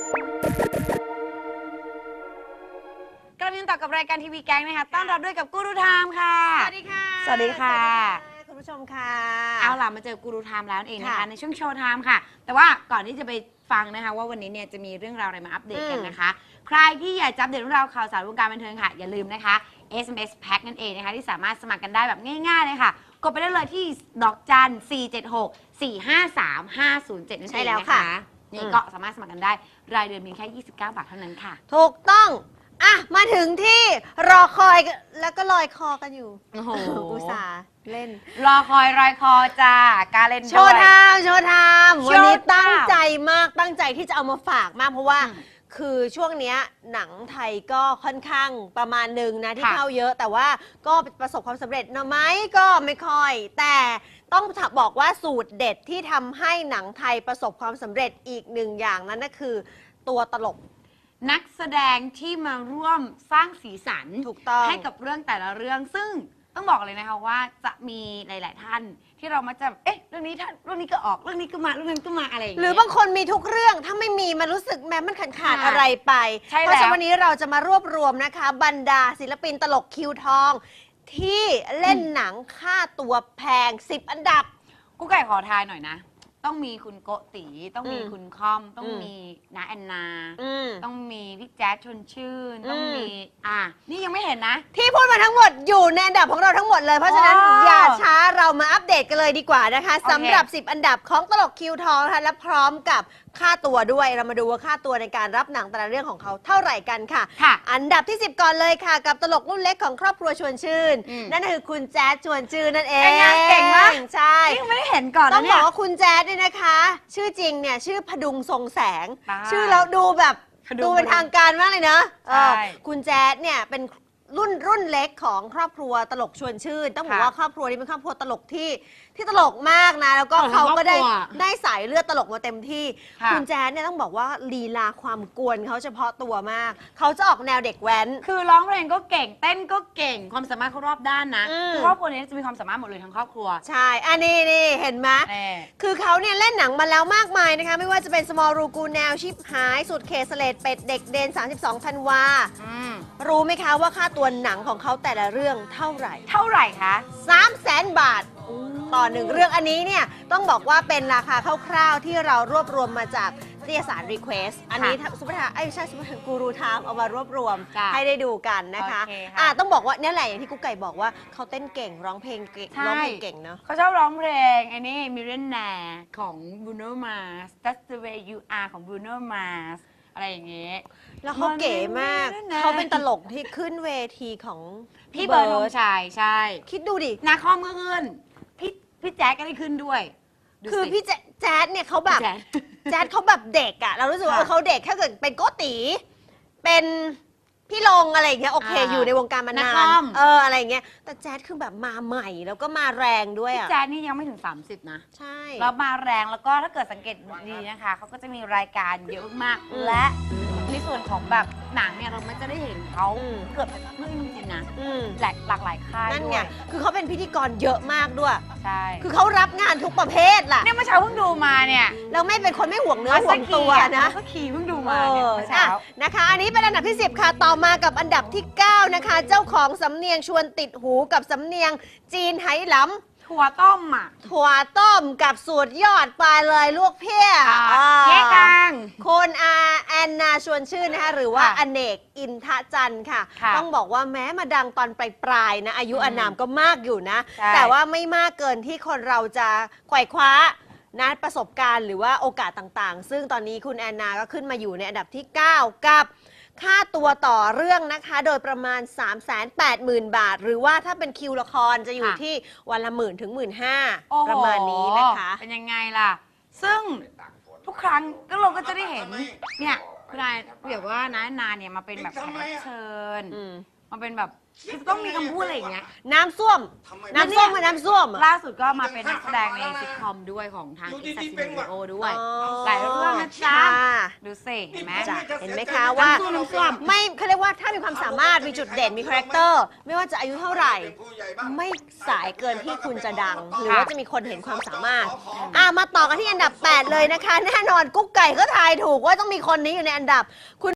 กลับมาต่อกับรายการทีวีแก๊งนะคะต้อนรับด้วยกับกูรูไทม์ค่ะสวัสดีค่ะสวัสดีค่ะคุณผู้ชมค่ะเอาล่ะมาเจอกูรูไทม์แล้วเองนะคะในช่วงโชว์ไทม์ค่ะแต่ว่าก่อนที่จะไปฟังนะคะว่าวันนี้เนี่ยจะมีเรื่องราวอะไรมาอัปเดตกันนะคะใครที่อยากจะอัปเดตเรื่องราวข่าวสารวงการบันเทิงค่ะอย่าลืมนะคะ SMS Pack นั่นเองนะคะที่สามารถสมัครกันได้แบบง่ายๆเลยค่ะกดไปได้เลยที่ดอกจัน476-453-507นั่นเองนะคะนี่ก็สามารถสมัครกันได้รายเดือนเพียงแค่29 บาทเท่านั้นค่ะถูกต้องอ่ะมาถึงที่รอคอยแล้วก็ลอยคอกันอยู่โอ้โหอุตส่าห์เล่นรอคอยรอยคอจ้าการเล่นด้วยโชว์ไทม์วันนี้ตั้งใจมากตั้งใจที่จะเอามาฝากมากเพราะว่าคือช่วงนี้หนังไทยก็ค่อนข้างประมาณหนึ่งนะที่เข้าเยอะแต่ว่าก็ประสบความสำเร็จนะไหมก็ไม่ค่อยแต่ต้องบอกว่าสูตรเด็ดที่ทำให้หนังไทยประสบความสำเร็จอีกหนึ่งอย่างนั้นก็คือตัวตลกนักแสดงที่มาร่วมสร้างสีสันถูกต้องให้กับเรื่องแต่ละเรื่องซึ่งต้องบอกเลยนะคะว่าจะมีหลาย ๆ ท่านที่เรามาจะเรื่องนี้ท่านเรื่องนี้ก็ออกเรื่องนี้ก็มาเรื่องนั้นก็มาอะไรอย่างเงี้ยหรือบางคนมีทุกเรื่องถ้าไม่มีมันรู้สึกแม้มันขาดอะไรไปเพราะฉะนั้นวันนี้เราจะมารวบรวมนะคะบรรดาศิลปินตลกคิวทองที่เล่นหนังค่าตัวแพง10 อันดับกูไก่ขอทายหน่อยนะต้องมีคุณโกติต้องมีคุณคอมต้องมีน้าแอนนาต้องมีพี่แจ๊ดชวนชื่นต้องมีนี่ยังไม่เห็นนะที่พูดมาทั้งหมดอยู่ในอันดับของเราทั้งหมดเลยเพราะฉะนั้นอย่าช้าเรามาอัปเดตกันเลยดีกว่านะคะสำหรับ10 อันดับของตลกคิวทองนะคะและพร้อมกับค่าตัวด้วยเรามาดูว่าค่าตัวในการรับหนังแต่ละเรื่องของเขาเท่าไหร่กันค่ะอันดับที่10ก่อนเลยค่ะกับตลกรุ่นเล็กของครอบครัวชวนชื่นนั่นคือคุณแจ๊ดชวนชื่นนั่นเองเก่งมากใช่ยังไม่ได้เห็นก่อนต้องบอกว่าคุณแจ๊ดเนี่ยนะคะชื่อจริงเนี่ยชื่อพดุงทรงแสงชื่อแล้วดูแบบดูเป็นทางการมากเลยนะคุณแจ๊ดเนี่ยเป็นรุ่นเล็กของครอบครัวตลกชวนชื่นต้องบอกว่าครอบครัวนี้เป็นครอบครัวตลกที่ตลกมากนะแล้วก็เขาก็ได้สายเลือดตลกมาเต็มที่คุณแจ๊ดเนี่ยต้องบอกว่าลีลาความกวนเขาเฉพาะตัวมากเขาจะออกแนวเด็กแว้นคือร้องเพลงก็เก่งเต้นก็เก่งความสามารถเขารอบด้านนะคือครอบครัวนี้จะมีความสามารถหมดเลยทั้งครอบครัวใช่อันนี้เห็นไหมคือเขาเนี่ยเล่นหนังมาแล้วมากมายนะคะไม่ว่าจะเป็น Small รูกูแนวชิปหายสุดเคสเลดเป็ดเด็กเดน32 ธันวารู้ไหมคะว่าค่าตัวหนังของเขาแต่ละเรื่องเท่าไหร่คะ300,000 บาทต่อ1เรื่องอันนี้เนี่ยต้องบอกว่าเป็นราคาคร่าวๆที่เรารวบรวมมาจากนิตยสาร Request อันนี้ซุปเปอร์ใช่ซุปเปอร์กูรูไทม์เอามารวบรวมให้ได้ดูกันนะคะต้องบอกว่านี่แหละอย่างที่กุ๊กไก่บอกว่าเขาเต้นเก่งร้องเพลงเก่งเนาะเขาชอบร้องเพลงไอ้นี่ Millionaire ของ Bruno Mars That's the way you are ของ Bruno Mars อะไรอย่างเงี้ยแล้วเขาเก๋มากเขาเป็นตลกที่ขึ้นเวทีของพี่เบิร์ดธงชัยใช่คิดดูดินาคอมก็ขึ้นพี่แจ๊ดก็ได้ขึ้นด้วยคือพี่แจ๊ดเนี่ยเขาแบบแจ๊ดเขาแบบเด็กอะเรารู้สึกว่าเขาเด็กถ้าเกิดเป็นโกติเป็นพี่ลงอะไรอย่างเงี้ยโอเคอยู่ในวงการมานานอะไรอย่างเงี้ยแต่แจ๊ดคือแบบมาใหม่แล้วก็มาแรงด้วยอะแจ๊ดนี่ยังไม่ถึง30นะใช่แล้วมาแรงแล้วก็ถ้าเกิดสังเกตดีนะคะเขาก็จะมีรายการเยอะมากและในส่วนของแบบหนังเนี่ยเราไม่จะได้เห็นเขาเกือบทุกเรื่องจริงๆนะหลากหลายค่ายนั่นไงคือเขาเป็นพิธีกรเยอะมากด้วยใช่คือเขารับงานทุกประเภทล่ะเนี่ยเมื่อเช้าเพิ่งดูมาเนี่ยเราไม่เป็นคนไม่ห่วงเนื้อห่วงตัวนะก็ขี่เพิ่งดูมาเนี่ยเมื่อเช้านะคะอันนี้เป็นอันดับที่10ค่ะต่อมากับอันดับที่9นะคะเจ้าของสำเนียงชวนติดหูกับสำเนียงจีนไหหลำถั่วต้มถั่วต้มกับสูตรยอดปลายเลยลวกเพี้ยแค่กลางคนแอนนาชวนชื่นนะคะหรือว่าอเนกอินทจันทร์ค่ะต้องบอกว่าแม้มาดังตอนปลายนะอายุอานามก็มากอยู่นะแต่ว่าไม่มากเกินที่คนเราจะไขว่คว้านะประสบการณ์หรือว่าโอกาสต่างๆซึ่งตอนนี้คุณแอนนาก็ขึ้นมาอยู่ในอันดับที่9กับค่าตัวต่อเรื่องนะคะโดยประมาณ 380,000 บาทหรือว่าถ้าเป็นคิวละครจะอยู่ที่วันละ10,000 ถึง 15,000 ประมาณนี้นะคะเป็นยังไงล่ะซึ่งทุกครั้งก็เราก็จะได้เห็นเนี่ยคุณนายแบบว่าน้านาเนี่ยมาเป็นแบบแขกรับเชิญมาเป็นแบบคือต้องมีคำพูดอะไรอย่างเงี้ยน้ำส้วมน้ำส้วมกับน้ำส้วมล่าสุดก็มาเป็นนักแสดงในซิทคอมด้วยของทางอิสระโอด้วยอ๋อหลายเรื่องนะจ๊ะค่ะดูสิเห็นไหมจ้ะเห็นไหมคะว่าน้ำส้วมไม่เขาเรียกว่าถ้ามีความสามารถมีจุดเด่นมีคาแรคเตอร์ไม่ว่าจะอายุเท่าไหร่ ไม่สายเกินที่คุณจะดัง หรือว่าจะมีคนเห็นความสามารถมาต่อกันที่อันดับ 8 เลยนะคะ แน่นอนกุ๊กไก่ก็ทายถูกว่าต้องมีคนนี้อยู่ในอันดับคุณ